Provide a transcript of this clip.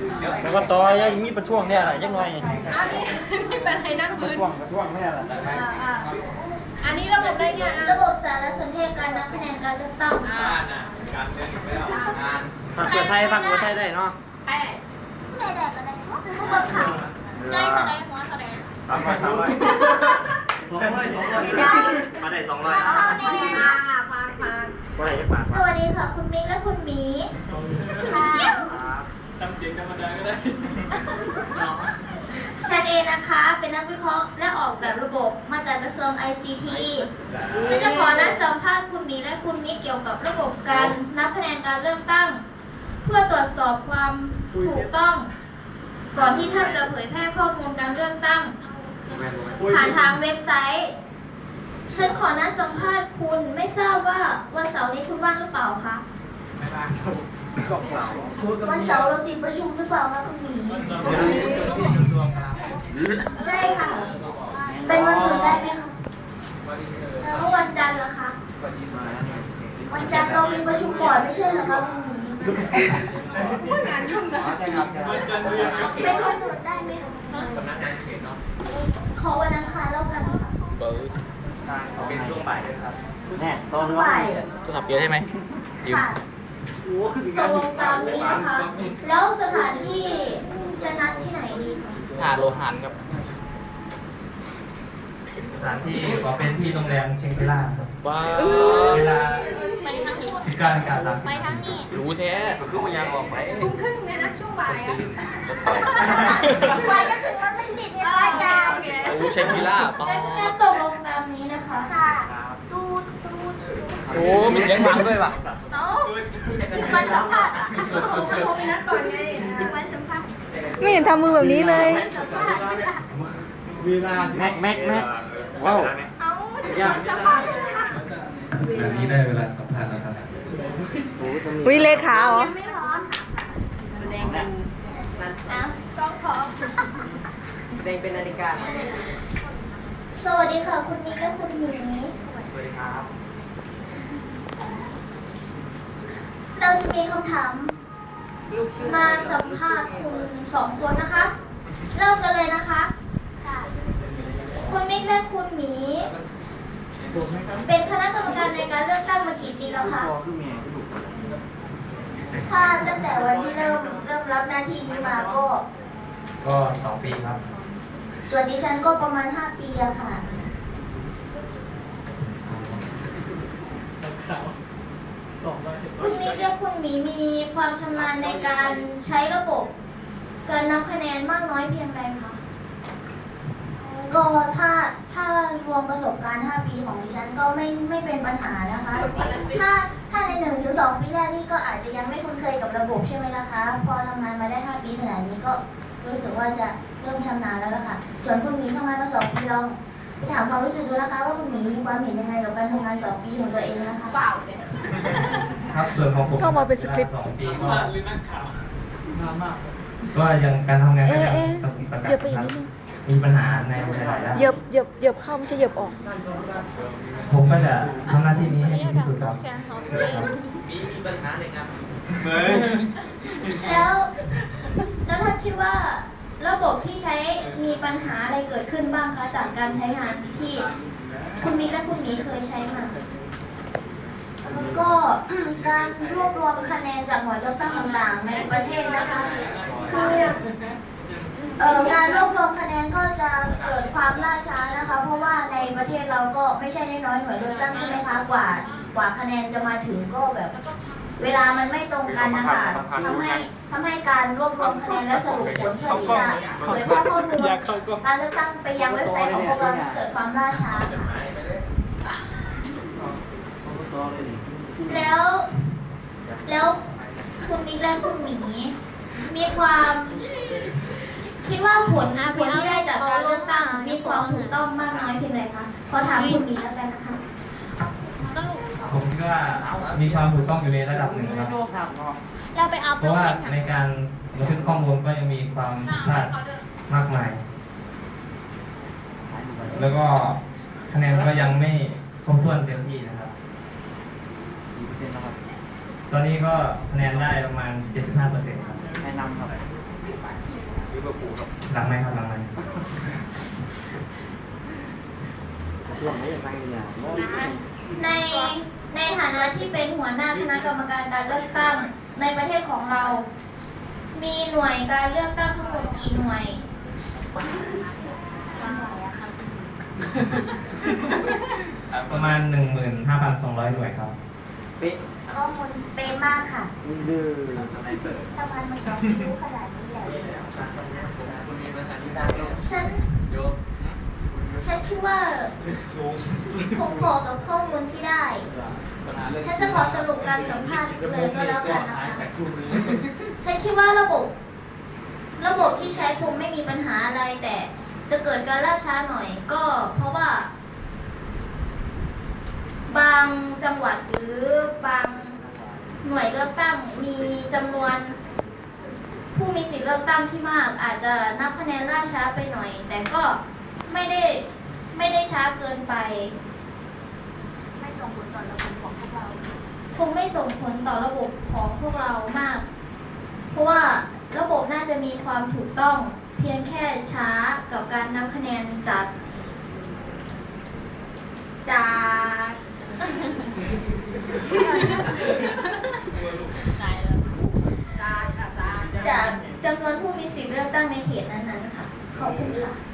แล้วก็ต่อยังมีประช่วงเนี่ยอะไรยังไงอันนี้เป็นอะไรนั่งประพื้นช่วงเนี่ยแหละอันนี้ระบบได้ไงระบบสารสนเทศการนับคะแนนการเลือกตั้งค่ะการเมืองอีกแล้วงานฟังเพื่อไทยได้เนาะไอ้ไม่ได้ก็ได้ผู้บังคับได้ก็ได้หัวก็ได้ 300มาได้200 เอาแน่ฟังว่าอะไรจะฝากสวัสดีค่ะคุณมิกและคุณหมีค่ะทำเสียงธรรมดาก็ได้ฉันเองนะคะ เป็นนักวิเคราะห์และออกแบบระบบมาจากกระทรวง ICT ฉันจะขอนัดสัมภาษณ์คุณหมีและคุณมิกเกี่ยวกับระบบการนับคะแนนการเลือกตั้ง เพื่อตรวจสอบความถูกต้อง ก่อนที่ท่านจะเผยแพร่ข้อมูลการเลือกตั้ง ผ่านทางเว็บไซต์ ฉันขอนัดสัมภาษณ์คุณไม่ทราบว่าวันเสาร์นี้คุณว่างหรือเปล่าคะไม่ว่างครับก็เสาร์วันเสาร์เราติดประชุมหรือเปล่าคะคุณหมีใช่ค่ะ เป็นวันอื่นได้ไหมคะแล้ววันจันทร์เหรอคะ วันจันทร์เรามีประชุมก่อนไม่ใช่เหรอคะคุณหมีพูดงานยุ่งนะใช่ครับเป็นวันอื่นได้ไหมคะสำนักงานเขตเนาะขอวันอังคารแล้วกันค่ะเป็นช่วงบ่ายด้วยครับแน่ตอนบ่ายโทรศัพท์เยอะใช่ไหมค่ะตกลงตามนี้นะคะ แล้วสถานที่จะนัดที่ไหนดีคะหาดโลหันครับสถานที่ขอเป็นที่โรงแรมเชงกิล่าครับว้าวเวลาไปทั้งนี้ 19:30 ไปทั้งนี้รู้แท้คือมันยังออกไปทุ่มครึ่งเลยนะช่วงบ่ายอ่ะกว่าจะถึงมันเป็นติดเนี่ยค่ะอาจารย์รู้เชงกิล่าต่องั้นตกลงตามนี้นะคะค่ะตูดโอ้มีเสียงหลังด้วยว่ะเอ้าวันสัมภาษณ์อ่ะโทรไปนัดก่อนไงวันสัมภาษณ์ไม่เห็นทำมือแบบนี้เลยวันสัมภาษณ์ไม่ได้แม็กว้าวเอ้าวันสัมภาษณ์ไม่ได้ค่ะแบบนี้ได้เวลาสัมภาษณ์แล้วครับวิเลขาเหรอยังไม่ร้อนค่ะแสดงเป็นอ้าวต้องขอแสดงเป็นนาฬิกาสวัสดีค่ะคุณนิกและคุณหมีสวัสดีครับเราจะมีคำถาม มาสัมภาษณ์คุณสองคนนะคะ เริ่มกันเลยนะคะค่ะคุณมิกและคุณหมี เป็นคณะกรรมการในการเลือกตั้งมากี่ปีแล้วคะถ้าตั้งแต่วันที่เริ่มรับหน้าที่นี้มาก็ก็2 ปีครับส่วนดิฉันก็ประมาณ5 ปีอะค่ะ คุณมิกและคุณหมีมีความชำนาญในการใช้ระบบ การนับคะแนนมากน้อยเพียงใดคะก็ถ้ารวมประสบการณ์5 ปีของดิฉันก็ไม่เป็นปัญหานะคะ ถ้าใน1 ถึง 2 ปีแรกนี่ก็อาจจะยังไม่คุ้นเคยกับระบบใช่ไหมล่ะคะ พอทำงานมาได้5 ปีขนาดนี้ก็รู้สึกว่าจะเริ่มชำนาญแล้วล่ะค่ะ ส่วนคุณหมีทำงานมา2 ปีลองไปถามความรู้สึกดูนะคะ ว่าคุณหมีมีความเห็นยังไงกับการทำงาน2 ปีของตัวเองนะคะเปล่าเลยครับส่วนของผมเข้ามาเป็นสคริปต์ 2 ปีก็ยังการทำงานก็ยังต้องมีปัญหาเหยียบไปอีกนิดนึงมีปัญหาในหลายๆด้านเหยียบเข้าไม่ใช่เหยียบออกผมก็จะทำหน้าที่นี้ให้ดีที่สุดครับแล้วท่านคิดว่าระบบที่ใช้มีปัญหาอะไรเกิดขึ้นบ้างคะจากการใช้งานที่คุณมิกและคุณหมีเคยใช้มาก็การรวบรวมคะแนนจากหน่วยเลือกตั้งต่างๆ ในประเทศนะคะคือการรวบรวมคะแนนก็จะเกิดความล่าช้านะคะ เพราะว่าในประเทศเราก็ไม่ใช่น้อยๆหน่วยเลือกตั้งใช่ไหมคะกว่าคะแนนจะมาถึงก็แบบ เวลามันไม่ตรงกันนะคะทำให้การรวบรวมคะแนนและสรุปผลเพื่อที่จะเผยแพร่ข้อมูลการเลือกตั้งไปยังเว็บไซต์ของพวกเราเกิดความล่าช้าค่ะแล้วคุณมิกและคุณหมีมีความคิดว่าผลที่ได้จากการเลือกตั้งมีความถูกต้องมากน้อยเพียงไรคะขอถามคุณหมีแล้วกันนะคะผมคิดว่ามีความถูกต้องอยู่ในระดับหนึ่งครับเราไปอัพเพราะว่าในการบันทึกข้อมูลก็ยังมีความผิดพลาดมากมาย แล้วก็คะแนนก็ยังไม่ครบถ้วนเต็มที่นะครับ ตอนนี้ก็คะแนนได้ประมาณ 75%ครับแนะนำครับลิเวอร์พูลครับหลังไหมครับหลังไหมหลังไม่ยังไงเนี่ยในในฐานะที่เป็นหัวหน้าคณะกรรมการการเลือกตั้งในประเทศของเรา มีหน่วยการเลือกตั้งทั้งหมดกี่หน่วยประมาณ 15,200 หน่วยครับเป๊ะข้อมูลเป๊ะมากค่ะดื้อทำไมมันถึงรู้ขนาดนี้เลยฉันคิดว่าคงพอกับข้อมูลที่ได้ ฉันจะขอสรุปการสัมภาษณ์เลยก็แล้วกันนะคะ ฉันคิดว่าระบบที่ใช้คงไม่มีปัญหาอะไร แต่จะเกิดการล่าช้าหน่อย ก็เพราะว่า บางจังหวัดหรือบางหน่วยเลือกตั้งมีจำนวน ผู้มีสิทธิเลือกตั้งที่มาก อาจจะนับคะแนนล่าช้าไปหน่อย แต่ก็ไม่ได้ช้าเกินไปไม่ส่งผลต่อระบบของพวกเราคงไม่ส่งผลต่อระบบของพวกเรามาก เพราะว่าระบบน่าจะมีความถูกต้อง เพียงแค่ช้ากับการนับคะแนนจาก จากจำนวนผู้มีสิทธิเลือกตั้งในเขตนั้นๆค่ะ ขอบคุณค่ะ